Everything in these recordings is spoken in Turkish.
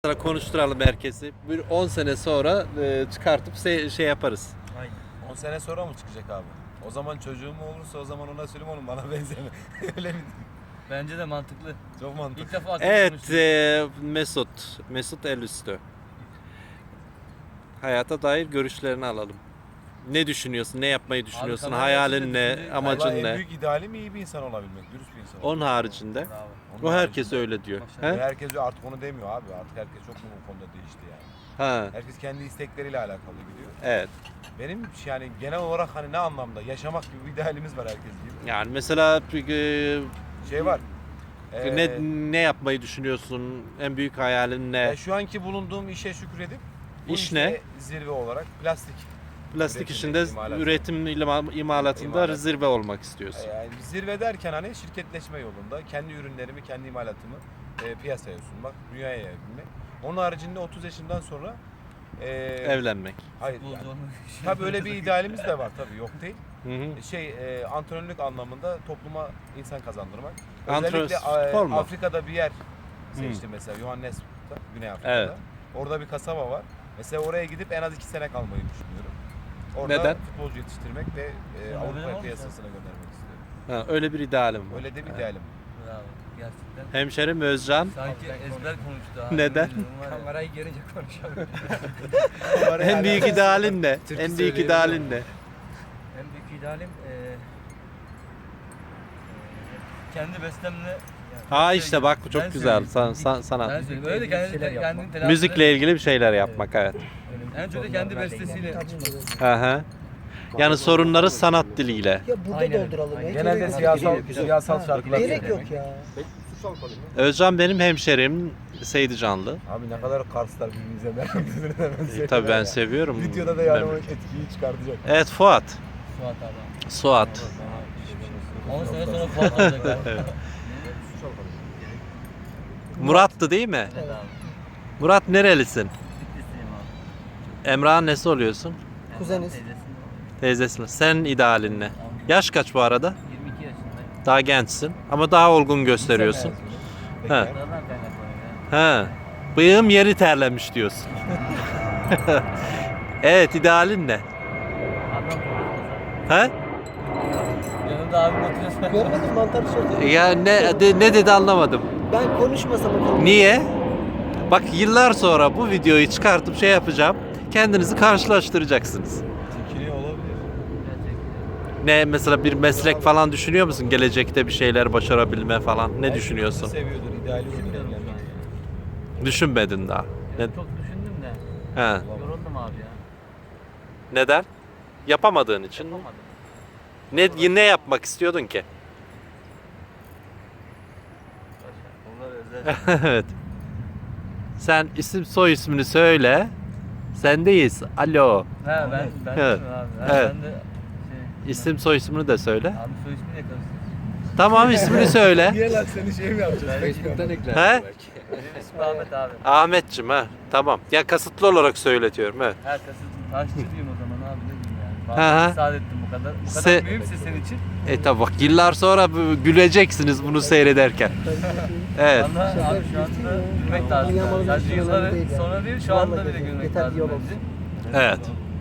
Konuşturalım herkesi. Bir 10 sene sonra çıkartıp şey yaparız. Aynen. 10 sene sonra mı çıkacak abi? O zaman çocuğum olursa o zaman ona söyleyeyim oğlum bana benzeme. Öyle mi? Bence de mantıklı. Çok mantıklı. İlk defa Evet, Mesut Elüstü. Hayata dair görüşlerini alalım. Ne düşünüyorsun? Ne yapmayı düşünüyorsun? kamera Hayalin açınca ne? düşündüğün- Amacın Vallahi en ne? büyük idealim iyi bir insan olabilmek, dürüst bir insan olabilmek. Onun haricinde. Bravo. O herkes öyle diyor. Maşallah. He? Herkes artık onu demiyor abi. Artık herkes çok mu bu konuda değişti yani. Ha, Herkes kendi istekleriyle alakalı gidiyor. evet. Benim yani genel olarak hani ne anlamda yaşamak gibi bir idealimiz var herkes gibi. Yani mesela Şey var. ne yapmayı düşünüyorsun? En büyük hayalin ne? Şu anki bulunduğum işe şükredip bu İş işte ne? zirve olarak plastik. Plastik üretim, işinde imalat. üretim imalatında İmalat. zirve olmak istiyorsun. Yani zirve derken hani şirketleşme yolunda kendi ürünlerimi, kendi imalatımı piyasaya sunmak, dünyaya yayabilmek. Onun haricinde 30 yaşından sonra Evlenmek. hayır Futbolcu yani, olmak. tabii öyle bir idealimiz de var tabii yok değil. Hı hı. Antrenörlük anlamında topluma insan kazandırmak. Antrenör Özellikle spor mu? Afrika'da bir yer seçtim mesela Johannesburg'da, Güney Afrika'da. Evet. Orada bir kasaba var. Mesela oraya gidip en az 2 sene kalmayı düşünüyorum. Orada Neden? futbolcu yetiştirmek ve Sonra öyle Avrupa mi piyasasına göndermek istiyorum. Ha, öyle bir idealim var. Öyle de bir Evet. idealim. Bravo. Gerçekten. Hemşerim Özcan. Sanki ezber konuştu abi. Neden? Kamerayı görünce konuşamıyorum. En büyük idealin ne? Türkü En büyük söyleyebilirim. idealin ne? En büyük idealim kendi bestemle Ha işte bak bu çok Ben güzel. söyleyeyim. Sana. Ben söyleyeyim. Öyle kendini telafi Müzikle ilgili bir şeyler yapmak, evet. En çok da kendi bestesiyle. Aha. Yani sorunları sanat diliyle. Ya burada Aynen. dolduralım. ya. Genelde Gerek siyasal Ha, şarkılar Gerek söylemek. yok ya. Özcan benim hemşerim, Seydi Canlı. Abi ne kadar Karslar birbirimize merak Tabii ben seviyorum. Videoda da yani o memleketi. etkiyi çıkartacak. Evet, Fuat. Suat abi. Suat. 10 sene sonra Fuat olacak abi. Murat'tı değil mi? Evet abi. Murat nerelisin? Bitlisiyim abi. Emrah'ın nesi oluyorsun? Kuzeniz. Teyzesiyim. Teyzesin. Sen idealin ne? Yaş kaç bu arada? 22 yaşındayım. Daha gençsin ama daha olgun gösteriyorsun. Peki. Ha. Nereden kaynaklanıyor ya? Ha. Bıyığım yeri terlemiş diyorsun. Evet, idealin ne? Adam konuşmasa. Ha? Yanımda abim oturuyorsa. Görmedim mantarı sordu. Ya ne dedi anlamadım. Ben konuşmasam bakalım. Niye? Bak yıllar sonra bu videoyu çıkartıp şey yapacağım. Kendinizi karşılaştıracaksınız. Çekiniyor olabilir. Gerçekten. Ne mesela bir meslek falan düşünüyor musun? Gelecekte bir şeyler başarabilme falan. Ne Belki düşünüyorsun? kızı seviyordur, ideali olur Düşünmüyorum şu an evlenmek. ya. Düşünmedin daha. Ne, Yani çok düşündüm de. he. Yoruldum abi ya. Neden? Yapamadığın için. Yapamadım. Ne yapmak istiyordun ki? Onlar özel. Evet. Sen isim soy ismini söyle. Sendeyiz. Alo. Ha ben Evet. düşünüyorum abi. Ha, Evet. Ben de İsim soy ismini de söyle. abi soy ismini yakarız. Tamam, ismini söyle. Niye lan seni şey mi yapacağız? He? Benim ismim Ahmet abi. Ahmetciğim ha. Tamam. Ya kasıtlı olarak söyletiyorum. Evet. Her kasıt taşçılıyım o zaman abi ne diyeyim yani. Hı hı. Bana müsaade ettim bu kadar. Bu kadar Se- mühimse senin için. Tabi bak yıllar sonra güleceksiniz bunu seyrederken. Evet. Valla abi şu anda gülmek lazım. Dünya malı Sadece düşünüyorum yılları değil yani. sonra değil şu anda Vallahi bile gülmek yeter lazım bir yol bence. Evet.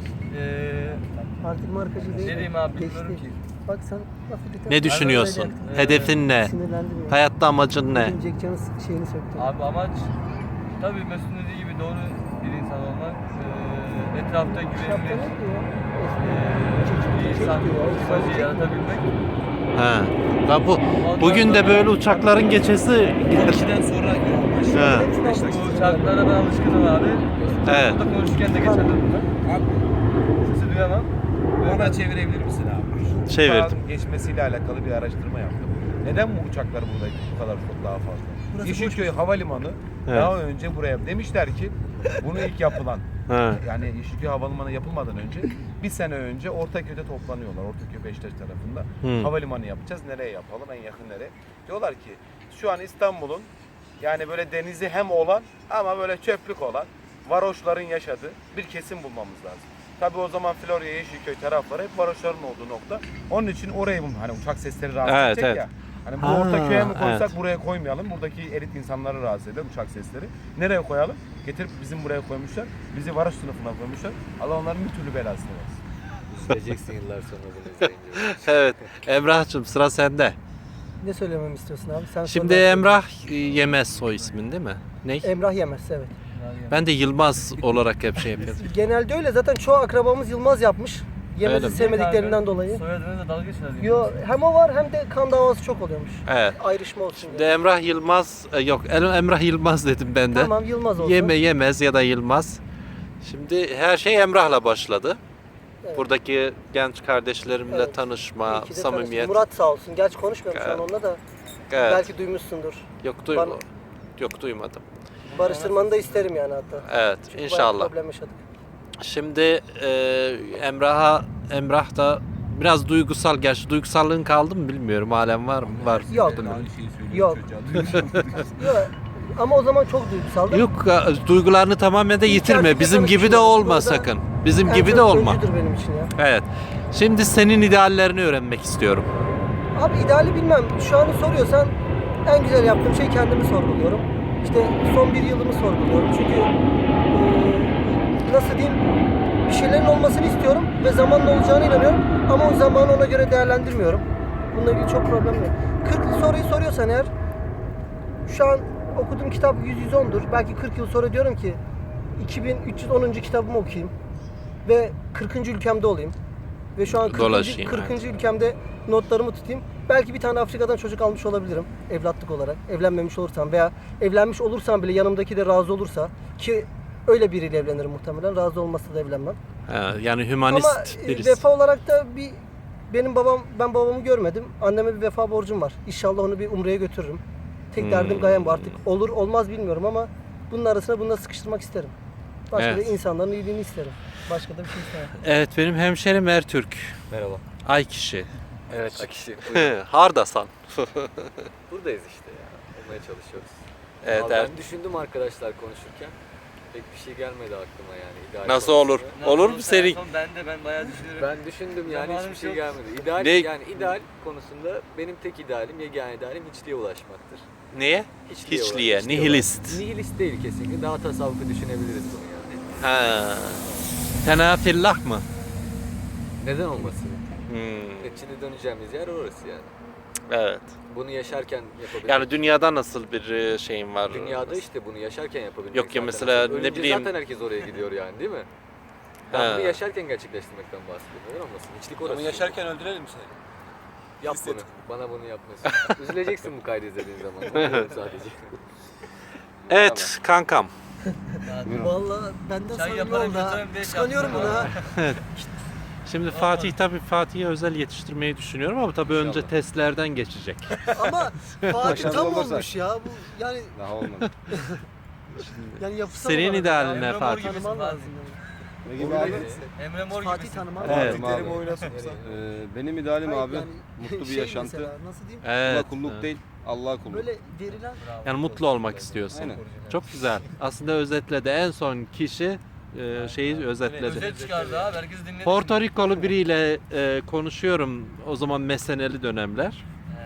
Artık markacı değil. Ne diyeyim abi, Geçti. bilmiyorum ki. Bak sen lafı bitir. Ne düşünüyorsun? öyle- Hedefin ne? Sinirlendim ya. Hayatta amacın ne? Bugün Jack Can'ın şeyini söktüm. Abi amaç tabii Mesut'un dediği gibi doğru bir insan olmak. Etrafta Şapka güvenilir ne diyor? bir insan imajı yaratabilmek. Ha. Ya bugün de böyle uçakların geçesi. 12'den sonra yoğunlaşıyor. Ha. Bu uçaklara ben alışkınım abi. Evet. Burada konuşurken de geçerdim bunlar. Abi Sesi duyamam. bana çevirebilir misin abi? Çevirdim. Uçağın geçmesiyle alakalı bir araştırma yaptım. Neden bu uçaklar burada bu kadar çok daha fazla? Yeşilköy Havalimanı Evet. daha önce buraya demişler ki bunu ilk yapılan Ha. yani Yeşilköy Havalimanı yapılmadan önce bir sene önce Ortaköy'de toplanıyorlar. Ortaköy Beşiktaş tarafında. Hı. Havalimanı yapacağız. Nereye yapalım? En yakın nereye? Diyorlar ki şu an İstanbul'un yani böyle denizi hem olan ama böyle çöplük olan varoşların yaşadığı bir kesim bulmamız lazım. Tabii o zaman Florya, Yeşilköy tarafları hep varoşların olduğu nokta. Onun için orayı hani uçak sesleri rahatsız Evet, edecek evet. ya. Hani bu Ha, orta köye mi koysak evet. buraya koymayalım. Buradaki elit insanları rahatsız eder uçak sesleri. Nereye koyalım? Getirip bizim buraya koymuşlar. Bizi varoş sınıfına koymuşlar. Allah onların bir türlü belasını versin. Üzüleceksin yıllar sonra bunu izleyince. Evet. Emrah'cığım sıra sende. Ne söylememi istiyorsun abi? Sen Şimdi sor, ben Emrah Yemez soy ismin değil mi? Ne? söyleyeyim. Emrah Yemez, evet. Ben de Yılmaz olarak hep şey yapıyorum. Genelde öyle. Zaten çoğu akrabamız Yılmaz yapmış. Öyle Yemez'i mi? sevmediklerinden dolayı. Soyadınızla dalga geçiyorlar. Yo, hem o var hem de kan davası çok oluyormuş. Evet. Ayrışma olsun Şimdi diye. Emrah Yılmaz, yok Emrah Yılmaz dedim ben de. Tamam, Yılmaz olsun. Yemez ya da Yılmaz. Şimdi her şey Emrah'la başladı. Evet. Buradaki genç kardeşlerimle Evet. tanışma, İyi ki de samimiyet. tanıştık. Murat sağ olsun. Gerçi konuşmuyorum şu an Evet. onunla da. Evet. Belki duymuşsundur. Yok Yok duymadım. Barıştırmanı da isterim yani hatta. Evet, Çünkü bayağı inşallah. problem yaşadık. Şimdi Emrah da biraz duygusal. Gerçi duygusallığın kaldı mı bilmiyorum. Halen var mı? Var. Yok. Yok. Yok. Ama o zaman çok duygusaldım. Yok, duygularını tamamen de yitirme. Gerçekten Bizim gibi de tanışıyoruz. olma Burada sakın. Bizim En gibi de çok olma. öncüdür benim için ya. Evet. Şimdi senin ideallerini öğrenmek istiyorum. Abi ideali bilmem. Şu an soruyorsan en güzel yaptığım şey kendimi sorguluyorum. İşte son bir yılımı sorguluyorum. Çünkü nasıl diyeyim, bir şeylerin olmasını istiyorum ve zamanla olacağına inanıyorum. Ama o zamanı ona göre değerlendirmiyorum. Bununla ilgili çok problem yok. 40 soruyu soruyorsan eğer, şu an okuduğum kitap 100-110'dur. Belki 40 yıl sonra diyorum ki 2310. kitabımı okuyayım ve 40. ülkemde olayım. Ve şu an 40. Dolaşayım, 40. evet. ülkemde notlarımı tutayım. Belki bir tane Afrika'dan çocuk almış olabilirim evlatlık olarak. Evlenmemiş olursam veya evlenmiş olursam bile yanımdaki de razı olursa, ki öyle biriyle evlenirim muhtemelen. Razı olmazsa da evlenmem. Yani hümanist Ama birisi. vefa olarak da ben babamı görmedim. Anneme bir vefa borcum var. İnşallah onu bir umreye götürürüm. Tek derdim gayem bu artık. Olur olmaz bilmiyorum ama bunun arasına bunu da sıkıştırmak isterim. Başka Evet. da insanların iyiliğini isterim. Başka da bir şey istemem. Evet, benim hemşerim Ertürk. Merhaba. Ay kişi. Evet Akişi. Hardasan. Buradayız işte ya. Olmaya çalışıyoruz. Evet, Vallahi evet. ben düşündüm arkadaşlar konuşurken. Pek bir şey gelmedi aklıma yani. İdeal Nasıl konusunda. olur? Olur mu senin? Ben bayağı düşünüyorum. Ben düşündüm yani Zamanım hiçbir şey yok. gelmedi. İdeal Ne? yani ideal konusunda benim tek idealim, yegane idealim hiçliğe ulaşmaktır. Neye? Hiçliğe Hiçliğe, ulaşmak. nihilist. Nihilist değil kesinlikle. Daha tasavvufu düşünebiliriz bunu yani. Ha. Tenafillah mı? Neden olmasın? Hmm. Neticede döneceğimiz yer orası yani. Evet. Bunu yaşarken yapabilmek. Yani dünyada nasıl bir şeyin var? Dünyada işte bunu yaşarken yapabilmek. Yok ya, zaten mesela asıl. ne Ölünce bileyim- zaten herkes oraya gidiyor yani değil mi? Ben Ha. bunu yaşarken gerçekleştirmekten bahsediyorum. Neden olmasın? Hiçlik orası. Ama yaşarken öldürelim seni. Yap bunu. Bana bunu yapmasın. Üzüleceksin bu kaydı izlediğin zaman. Onu diyorum sadece. Evet kankam. Vallahi benden Çay sonra ne yaparım, oldu ha? yatarım diye Kıskanıyorum bunu yaptım ha. Şimdi Fatih'e özel yetiştirmeyi düşünüyorum ama tabii önce testlerden geçecek. Ama Fatih Başarılı tam olursak. olmuş ya. Bu yani Daha olmadı. yapısal Senin olarak idealin Emre ne Mor Fatih? gibisin Tanıman Fatih. lazım yani. Ne gibi abi? Emre Mor Fatih gibisin. tanıman Evet. lazım. Terim abi. oyuna soksa. Benim idealim Hayır, abi yani mutlu bir şey yaşantı. mesela, nasıl diyeyim? Evet. Kula kulluk değil, Allah'a kulluk. Böyle verilen Yani mutlu olmak istiyorsun. Aynen. Çok güzel. Aslında özetledi. En son kişi şeyi özetledi. Özet çıkardı abi. Herkes dinledi. Porto Rikolu biriyle konuşuyorum o zaman meseneli dönemler.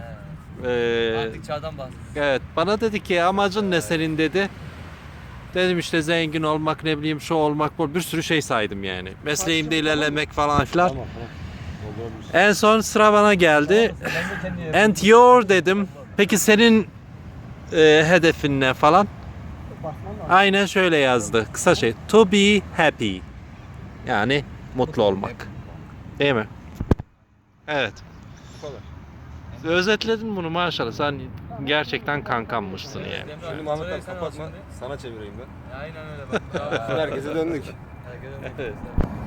Artık çağdan bahsediyoruz. Evet, bana dedi ki amacın ne senin dedi. Dedim işte zengin olmak, ne bileyim şu olmak, bu bir sürü şey saydım yani. Mesleğimde ilerlemek falan filan. Tamam tamam. En son sıra bana geldi. Ben de kendi yapıyorum. And your dedim. Peki senin hedefin ne falan? bakman lazım. Aynen şöyle yazdı. Kısa şey. To be happy. Yani mutlu olmak. Değil mi? Evet. Bu kadar. Özetledin bunu maşallah. Sen gerçekten kankammışsın yani. Emre Şimdi abi, Mahmut sırayı abi sen al kapatma. şimdi. Sana çevireyim ben. Aynen öyle bak. Herkese döndük. Herkese döndük.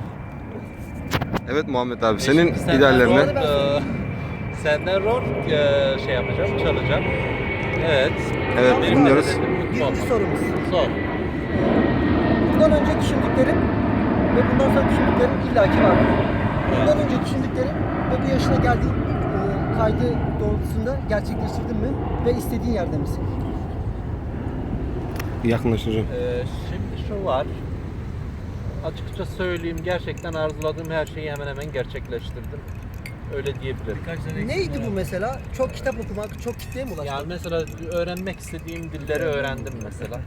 Evet Muhammed abi senin Senden ideallerin rol, ne? Senden rol şey yapacağım, çalacağım. Evet. Evet Benim dinliyoruz. hedefim mutlu Birinci olmak. sorumuz. Sor. Bundan önce düşündüklerim ve bundan sonra düşündüklerim illaki vardır. Bundan önce düşündüklerim ve bu yaşına geldiğin kaydı doğrultusunda gerçekleştirdin mi ve istediğin yerde misin? Yakınlaştıracağım. Şimdi şu var. Açıkça söyleyeyim, gerçekten arzuladığım her şeyi hemen hemen gerçekleştirdim. Öyle diyebilirim. Birkaç tane eksik Neydi var. bu mesela? Çok kitap okumak, çok kitleye mi ulaşmak? Yani mesela öğrenmek istediğim dilleri öğrendim mesela.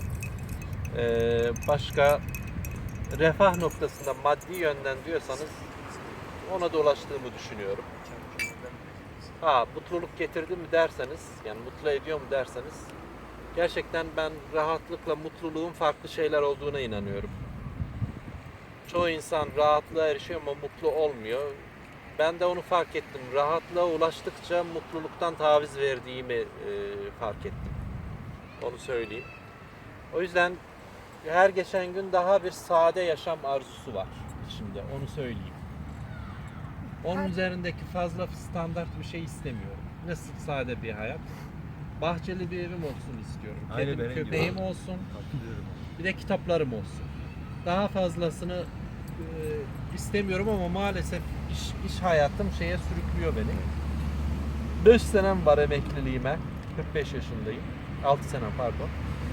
Başka refah noktasında maddi yönden diyorsanız ona da ulaştığımı düşünüyorum. Ha, mutluluk getirdi mi derseniz, yani mutlu ediyor mu derseniz, gerçekten ben rahatlıkla mutluluğun farklı şeyler olduğuna inanıyorum. Çoğu insan rahatlığa erişiyor ama mutlu olmuyor. Ben de onu fark ettim. Rahatlığa ulaştıkça mutluluktan taviz verdiğimi fark ettim. Onu söyleyeyim. O yüzden her geçen gün daha bir sade yaşam arzusu var içimde. Onu söyleyeyim. Onun üzerindeki fazla standart bir şey istemiyorum. Nasıl sade bir hayat? Bahçeli bir evim olsun istiyorum. Aynı Kedim, benim gibi. köpeğim olsun. Bir de kitaplarım olsun. Daha fazlasını istemiyorum ama maalesef iş hayatım şeye sürüklüyor beni. 5 senem var emekliliğime. 45 yaşındayım. 6 senem pardon.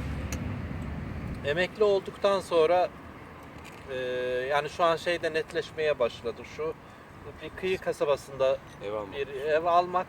Emekli olduktan sonra yani şu an şeyde netleşmeye başladı şu. Bir kıyı kasabasında bir ev almak.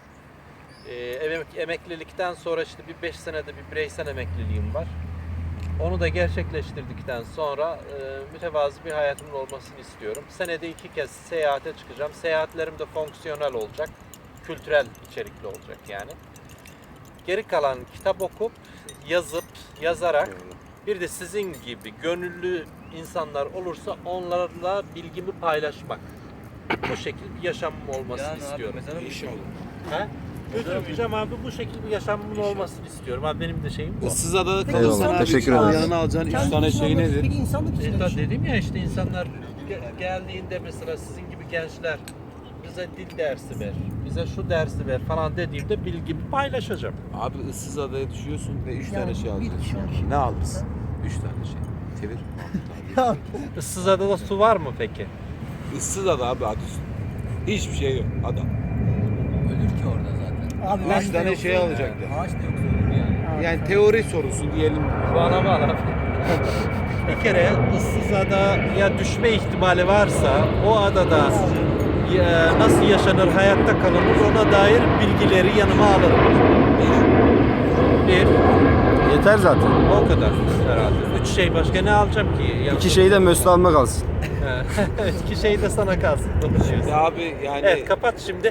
Emeklilikten sonra işte bir 5 senede bir bireysel emekliliğim var. Onu da gerçekleştirdikten sonra mütevazı bir hayatımın olmasını istiyorum. Senede 2 kez seyahate çıkacağım. Seyahatlerim de fonksiyonel olacak. Kültürel içerikli olacak yani. Geri kalan kitap okup, yazıp, yazarak bir de sizin gibi gönüllü insanlar olursa onlarla bilgimi paylaşmak. Bu şekilde bir yaşamım olmasını Yani abi istiyorum. mesela İnşallah. Ha? Götürmeyeceğim abi, bu şekilde bir yaşamımın olmasını istiyorum. Abi benim de şeyim bu. Issızada'da Peki, kalırsan insanlık abi için teşekkür ederiz. abi. Yanına alacağın 3 Kendi tane için şey olmak- nedir? Peki insanlık için ne düşünüyorsun? Dedim ya işte insanlar geldiğinde mesela sizin gibi gençler bize dil dersi ver, bize şu dersi ver falan dediğimde bilgimi paylaşacağım. Abi Issızada'ya düşüyorsun ve 3 Yani tane şey bir alacaksın. kişi, 10 kişi. Ne alırsın? 3 tane şey. Çevir. Ya, Issızada'da su var mı peki? Issızada abi adı üstünde. Hiçbir şey yok adam. Ölür ki orada zaten. abi 3 tane şey alacaktı. Ağaç da yoksa ölür yani. Yani teori sorusu diyelim. Bana bana. Bir kere Issızada'ya düşme ihtimali varsa o adada nasıl yaşanır, hayatta kalınır ona dair bilgileri yanıma alırım. Bir, Yeter zaten. o kadar herhalde. 3 şey başka ne alacağım ki? Yanımda? 2 şeyi de Mesut alma kalsın. Evet, 2 şey de sana kalsın. Konuşuyoruz. Abi yani Evet, kapat şimdi.